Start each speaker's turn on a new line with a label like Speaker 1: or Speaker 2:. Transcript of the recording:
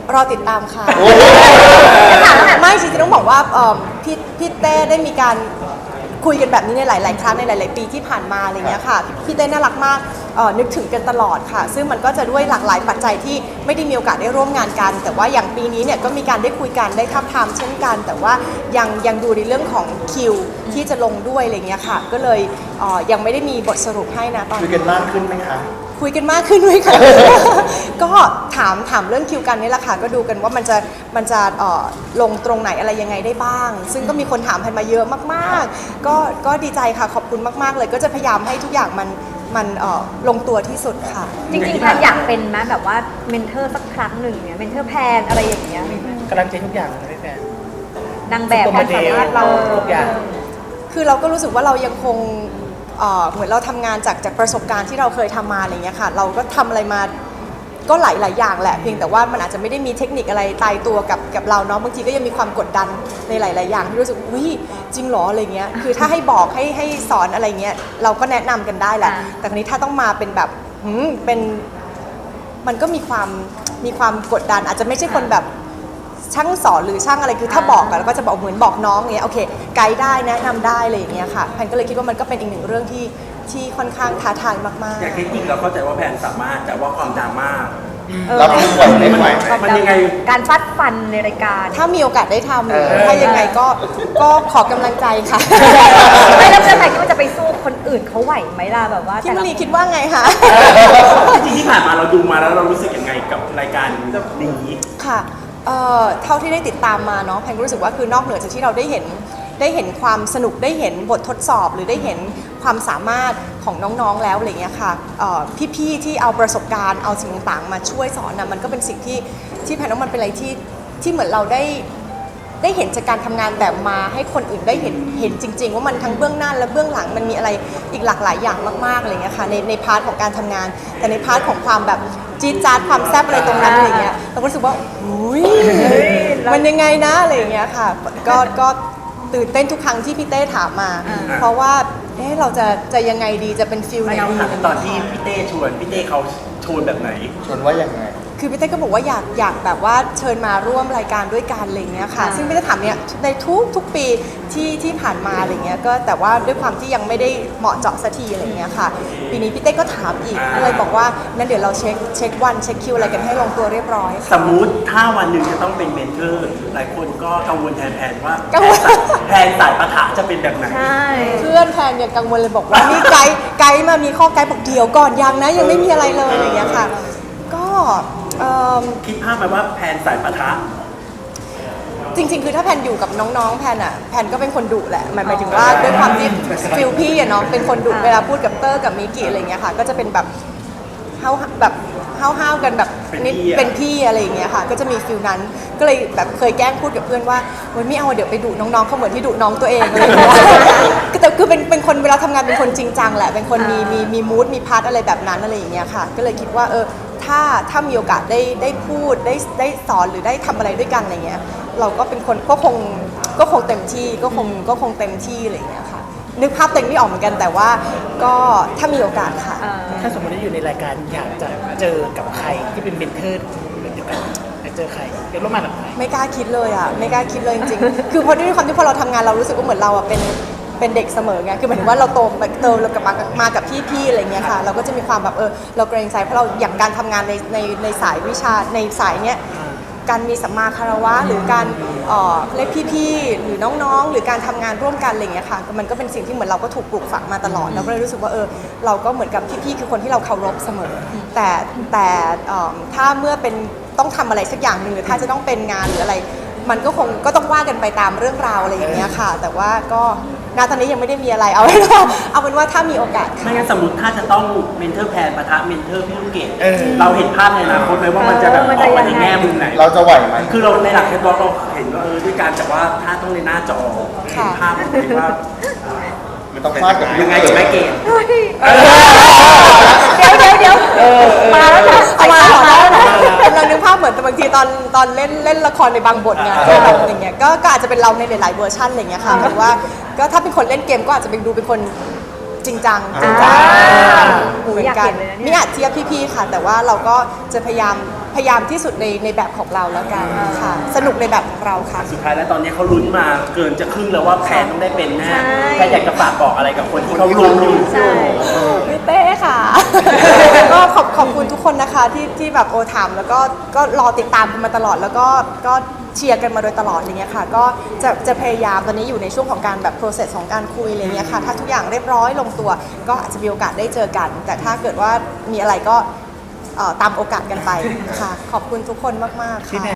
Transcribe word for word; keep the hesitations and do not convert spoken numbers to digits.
Speaker 1: รอติดตามค่ะไม่จริงๆต้องบอกว่าพี่พี่เต้ได้มีการคุยกันแบบนี้ในหลายๆครั้งในหลายๆปีที่ผ่านมาอะไรเงี้ยค่ะพี่เต้น่ารักมากนึกถึงกันตลอดค่ะซึ่งมันก็จะด้วยหลากหลายปัจจัยที่ไม่ได้มีโอกาสได้ร่วมงานกันแต่ว่าอย่างปีนี้เนี่ยก็มีการได้คุยกันได้ทับทามเช่นกันแต่ว่ายังยังดูในเรื่องของคิวที่จะลงด้วยอะไรเงี้ยค่ะก็เลยยังไม่ได้มีบทสรุปให้นะตอนนี้
Speaker 2: คุยกันมากขึ้นไหมคะ
Speaker 1: คุยกันมากขึ้นด้วยค่ะ ก็ถามถามเรื่องคิวกันนี่แหละค่ะก็ดูกันว่ามันจะมันจะลงตรงไหนอะไรยังไงได้บ้างซึ่งก็มีคนถามพันมาเยอะมากๆก็ก็ดีใจค่ะขอบคุณมากๆเลยก็จะพยายามให้ทุกอย่างมันมันลงตัวที่สุดค่ะ
Speaker 3: จริงๆแพนอยากเป็นไหมแบบว่าเมนเทอร์สักครั้งหนึ่งเนี่ยเมนเทอร์แพนอะไรอย่างเงี้ย
Speaker 4: กำลังใจทุกอย่างเลยแพน
Speaker 3: นางแบบความสามารถเรา
Speaker 4: ทุกอย่าง
Speaker 1: คือเราก็รู้สึกว่าเรายังคงเหมือนเราทำงานจากจากประสบการณ์ที่เราเคยทำมาอะไรเงี้ยค่ะเราก็ทำอะไรมาก็หลายหลายอย่างแหละเพียงแต่ว่ามันอาจจะไม่ได้มีเทคนิคอะไรตายตัวกับกับเราเนาะบางทีก็ยังมีความกดดันในหลายๆอย่างที่รู้สึกอุ้ยจริงหรออะไรเงี้ยคือถ้าให้บอกให้ให้สอนอะไรเงี้ยเราก็แนะนำกันได้แหละแต่คราวนี้ถ้าต้องมาเป็นแบบหืมเป็นมันก็มีความมีความกดดันอาจจะไม่ใช่คนแบบช่างสอนหรือช่างอะไรคือถ้าบอกอะเราก็จะบอกเหมือนบอกน้องเงี้ยโอเคไกด์ได้แนะนำได้อะไรอย่างเงี้ยค่ะแพนก็เลยคิดว่ามันก็เป็นอีกหนึ่งเรื่องที่ที่ค่อนข้างท้าทายมากๆ
Speaker 5: อย่างเทคนิคเราเข้าใจว่าแพนสามารถแต่ว่าความดราม่า
Speaker 2: เราไม่ไหวไม่ไหว
Speaker 5: มันยังไง
Speaker 3: การฟัดฟันในรายการ
Speaker 1: ถ้ามีโอกาสได้ทำถ้ายังไงก็ก็ขอกำลังใจค่ะ
Speaker 3: ไม่แล้วเพื่อนไหนคิดว่าจะไปสู้คนอื่นเขาไหวไหมล่ะแบบว่า
Speaker 1: พี่มลีคิดว่าไงคะ
Speaker 5: จริงที่ผ่านมาเราดูมาแล้วเรารู้สึกยังไงกับรายการนี้
Speaker 1: ค่ะเอ่อเท่าที่ได้ติดตามมาเนาะแพนก็รู้สึกว่าคือนอกเหนือจากที่เราได้เห็นได้เห็นความสนุกได้เห็นบททดสอบหรือได้เห็นความสามารถของน้องๆแล้วอะไรเงี้ยค่ะพี่ๆที่เอาประสบการณ์เอาสิ่งต่างๆมาช่วยสอนนะมันก็เป็นสิ่งที่ที่แพนว่ามันเป็นอะไรที่ที่เหมือนเราได้ได้เห็นจากการทำงานแบบมาให้คนอื่นได้เห็นเห็นจริงๆว่ามันทั้งเบื้องหน้าและเบื้องหลังมันมีอะไรอีกหลากหลายอย่างมากๆอะไรเงี้ยค่ะในในพาร์ทของการทำงานแต่ในพาร์ทของความแบบจี๊ดจ๊าดความแซ่บอะไรตรงนั้นอะไรเงี้ยเราก็รู้สึกว่าอุ้ยมันยังไงนะอะไรเงี้ยค่ะก็ก็ตื่นเต้นทุกครั้งที่พี่เต้ถามมาเพราะว่าเอ๊ะเราจะจะยังไงดีจะเป็นฟิลไหนดี
Speaker 5: ตอนที่พี่เต้ชวนพี่เต้เขาชวนแบบไหน
Speaker 2: ชวนว่ายังไง
Speaker 1: คือพี่เต้ก็บอกว่าอยากอยากแบบว่าเชิญมาร่วมรายการด้วยกันอะไรเงี้ยค่ะซึ่งพี่เต้ถามเนี่ยในทุกทุกปีที่ที่ผ่านมาอะไรเงี้ยก็แต่ว่าด้วยความที่ยังไม่ได้เหมาะเจาะสักทีอะไรเงี้ยค่ะปีนี้พี่เต้ก็ถามอีกก็เลยบอกว่านั้นเดี๋ยวเราเช็คเช็ควันเช็คคิวอะไรกันให้ลงตัวเรียบร้อย
Speaker 5: สมมุติถ้าวันหนึ่งจะต้องเป็นเมนเทอร์หลายคนก็กังวลแทนแพนว่าแพนสายปะทะจะเป็นแบบไหน
Speaker 1: เพื่อนแพนเนี่ยกังวลเลยบอกว่านี่ไกด์ไกด์มามีข้อไกด์บอกเดี๋ยวก่อนยังนะยังไม่มีอะไรเลยอะไรเงี้ยค่ะก็
Speaker 5: คิดภาพไหมว่าแพนสายปะทะ
Speaker 1: จริงๆคือถ้าแพนอยู่กับน้องๆแพนอ่ะแพนก็เป็นคนดุแหละหมายหมายถึงว่าด้วยความที่ฟิลพี่อะเนาะเป็นคนดุเวลาพูดกับเตอร์กับมิกิอะไรเงี้ยค่ะก็จะเป็นแบบเฮาแบบห้าวๆกันแบบนิดเป็นพี่อะไรอย่างเงี้ยค่ะก็จะมีฟิลนั้นก็เลยแบบเคยแกล้งพูดกับเพื่อนว่าวันไม่เอาเดี๋ยวไปดุน้องๆเขาเหมือนที่ดุน้องตัวเองอะไรอย่างเงี้ยแต่คือเป็นเป็นคนเวลาทำงานเป็นคนจริงจังแหละเป็นคนมีมีมีมูดมีพาร์ทอะไรแบบนั้นอะไรอย่างเงี้ยค่ะก็เลยคิดว่าเออถ้าถ้ามีโอกาสได้ได้พูดได้ได้สอนหรือได้ทำอะไรด้วยกันอะไรเงี้ยเราก็เป็นคนก็คงก็คงเต็มที่ก็คงก็คงเต็มที่อะไรอย่างเงี้ยค่ะนึกภาพเต็มไม่ออกเหมือนกันแต่ว่าก็ถ้ามีโอกาสค่ะ
Speaker 4: ถ้าสมมติว่าอยู่ในรายการอยากจะเจอกับใครที่เป็นเมนเทอร์เหมือนกันอยากเจอใครเดี๋ยวร่วมงานกับใคร
Speaker 1: ไม่กล้าคิดเลยอ่ะไม่กล้าคิดเลยจริงๆคือพอด้วยความที่พอเราทำงานเรารู้สึกว่าเหมือนเราอ่ะเป็นเป็นเด็กเสมอไงคือหมายถึงว่าเราโตโตเรากับมามากับพี่ๆอะไรเงี้ยค่ะเราก็จะมีความแบบเออเราเกรงใจเพราะเราอย่างการทำงานในในในสายวิชาในสายเนี้ยการมีสัมมาคารวะหรือการเอ่อเรียกพี่ๆหรือน้องๆหรือการทำงานร่วมกันอะไรเงี้ยค่ะมันก็เป็นสิ่งที่เหมือนเราก็ถูกปลูกฝังมาตลอดเราก็เลยรู้สึกว่าเออเราก็เหมือนกับพี่ๆคือคนที่เราเคารพเสมอแต่แต่ถ้าเมื่อเป็นต้องทำอะไรสักอย่างหนึ่งหรือถ้าจะต้องเป็นงานหรืออะไรมันก็คงก็ต้องว่ากันไปตามเรื่องราวอะไรอย่างเงี้ยค่ะแต่ว่าก็ณตอนนี้ยังไม่ได้มีอะไรเอาเป็นว่าเอาเป็นว่าถ้ามีโอกาส
Speaker 5: ไม่งั้นสมมติถ้าจะต้องเมนเทอร์แพนปะทะเมนเทอร์พี่ลูกเกดเราเห็นภาพในอนาคตไหมว่ามันจะแบบออกมาในแง่มุมไหน
Speaker 2: เราจะไหวไหม
Speaker 5: คือเราในหลักเทปเราเห็นว่าเออด้วยการแต่ว่าถ้าต้องในหน้าจอเห็นภาพว่า
Speaker 2: มันต้องฟาดกับ
Speaker 5: ยังไงกับแม่เกด
Speaker 3: เดี๋ยวเดี๋ยวเดี๋ยวมาแล้วนะ
Speaker 1: มาแล้วนะกำลังนึกภาพเหมือนแต่บางทีตอนตอนเล่นเล่นละครในบางบทไงก็แบบอย่างเงี้ยก็อาจจะเป็นเราในหลายๆเวอร์ชันอะไรเงี้ยค่ะหรือว่าก็ถ้าเป็นคนเล่นเกมก็อาจจะเป็นดูเป็นคนจริงจังจริงจังเหมือนกันนี่อาจเทียบพี่ๆค่ะแต่ว่าเราก็จะพยายามพยายามที่สุดในในแบบของเราแล้วกันค่ะสนุกในแบบของเราค่ะ
Speaker 5: สุดท้ายแล้วตอนนี้เขาลุ้นมาเกินจะครึ่งแล้วว่าแพนต้องได้เป็นแน่
Speaker 3: ใช่
Speaker 5: แพนอยากจะฝากบอกอะไรกับคนที่เขาลุ้นอยู่
Speaker 3: ใช่
Speaker 1: พี่เต้ค่ะ ก็ขอบขอบคุณทุกคนนะคะที่ที่แบบโอถามแล้วก็ก็รอติดตามกันมาตลอดแล้วก็ก็เชียร์กันมาโดยตลอดอะไรเงี้ยค่ะก็จะจะพยายามตอนนี้อยู่ในช่วงของการแบบ process ของการคุยอะไรเงี้ยค่ะถ้าทุกอย่างเรียบร้อยลงตัว ก็อาจจะมีโอกาสได้เจอกัน แต่ถ้าเกิดว่ามีอะไรก็เอ่อตามโอกาสกันไปค่ะ ขอบคุณทุกคนมากๆค่ะ